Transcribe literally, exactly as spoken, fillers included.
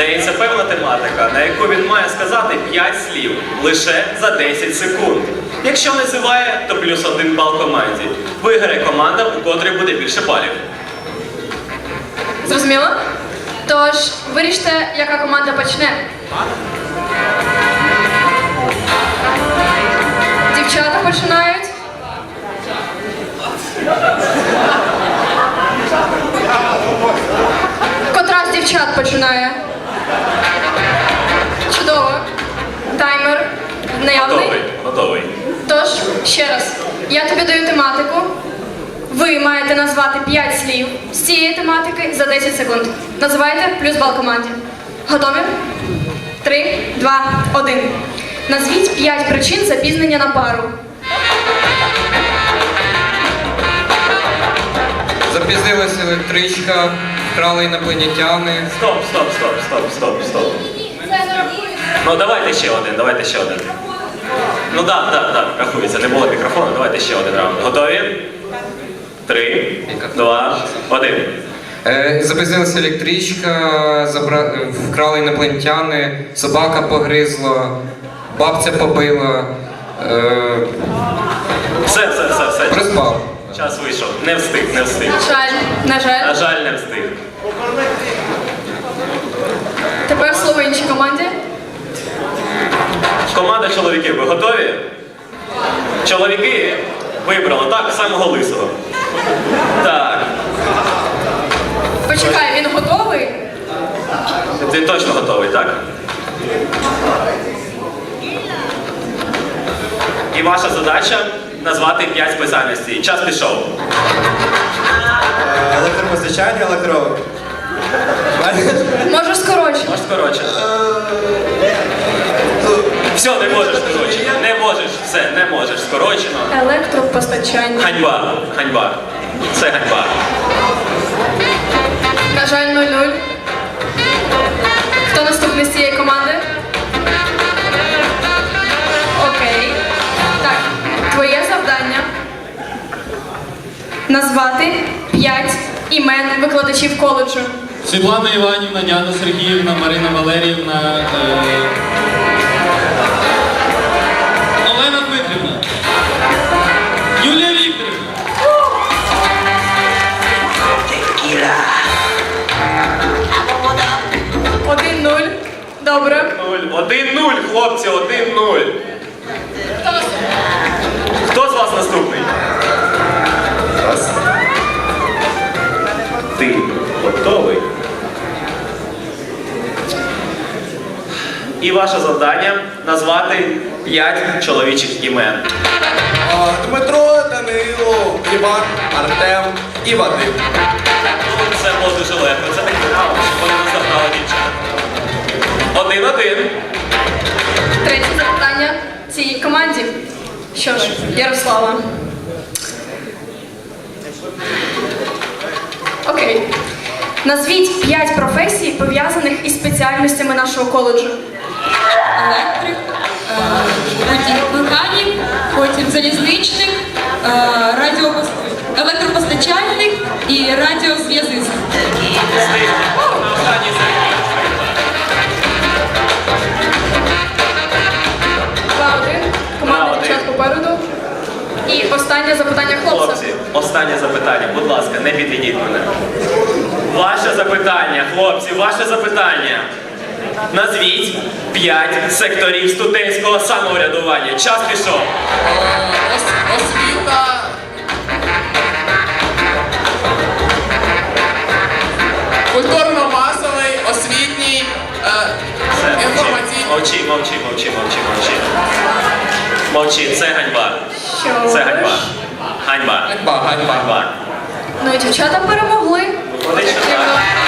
Здається, певна тематика, на яку він має сказати п'ять слів лише за десять секунд. Якщо не зіває, то плюс один бал команді. Виграє команда, у котрій буде більше балів. Зрозуміло? Тож, виріште, яка команда почне. Дівчата починають. Котра з дівчат починає? Чудово. Таймер наявний. Готовий, готовий. Тож, ще раз, я тобі даю тематику. Ви маєте назвати п'ять слів з цієї тематики за десять секунд. Називайте плюс бал команді. Готові? Три, два, один. Назвіть п'ять причин запізнення на пару. Запізнилась електричка, вкрали інопланетяни. Стоп, стоп, стоп, стоп, стоп, стоп. Ну давайте ще один, давайте ще один. Ну так, так, так, рахується, не було мікрофону, давайте ще один раунд. Готові? Три, два, один. Е, запізнилася електричка, забра... вкрали інопланетяни, собака погризла, бабця побила. Е... Все, все, все, все. Приспав. Час вийшов. Не встиг, не встиг. На жаль, на жаль. На жаль, не встиг. Тепер слово іншій команді. Команда чоловіків, ви готові? Чоловіки вибрали, так, самого лисого. Так. Почекай, він готовий? Ти точно готовий, так? І ваша задача назвати п'ять спеціальностей. Час пішов. Електропостачання, електро... Можеш скорочити. Можеш скороче. Все, не можеш скорочено. Не можеш, все, не можеш скорочено. Електропостачання. Ганьба, ганьба. Це ганьба. На жаль, нуль-нуль. Хто наступний з цієї команди? Окей. Так, твоє завдання назвати п'ять імен викладачів коледжу. Світлана Іванівна, Діана Сергіївна, Марина Валеріївна, е... Олена Дмитрівна, Юлія Вікторівна. Один-нуль. Добре. Нуль. Один-нуль, хлопці, один-нуль. Хто наступний? Хто з вас наступний? Раз. Ти готовий? І ваше завдання назвати п'ять чоловічих імен. А, Дмитро, Данило, Іван, Артем і Вадим. Ну, це було дуже легко. Це такий раунд, щоб вони не завдали дівчат. Один-один. Третє запитання цій команді. Що ж, Ярослава. Окей. Назвіть п'ять професій, пов'язаних із спеціальностями нашого коледжу. Електрик, е, водій, механік, потім залізничник, е, радіопос... електропостачальник і радіозв'язист. Встиг. Останній секунд. Два-один. Команда Два-один. дівчат попереду. І останнє запитання хлопця. Хлопці, останнє запитання. Будь ласка, не підведіть мене. Ваше запитання, хлопці, ваше запитання. Назвіть п'ять секторів студентського самоврядування. Час пішов. Освіта. Культурно-масовий, освітній, Все, мовчи, інформаційний. мовчи, мовчи, мовчи, мовчи, мовчи. Мовчи, це ганьба. Що Це ж? ганьба. Ганьба. Ганьба, ганьба. Ганьба. Ну і дівчата перемогли. Вони ще так.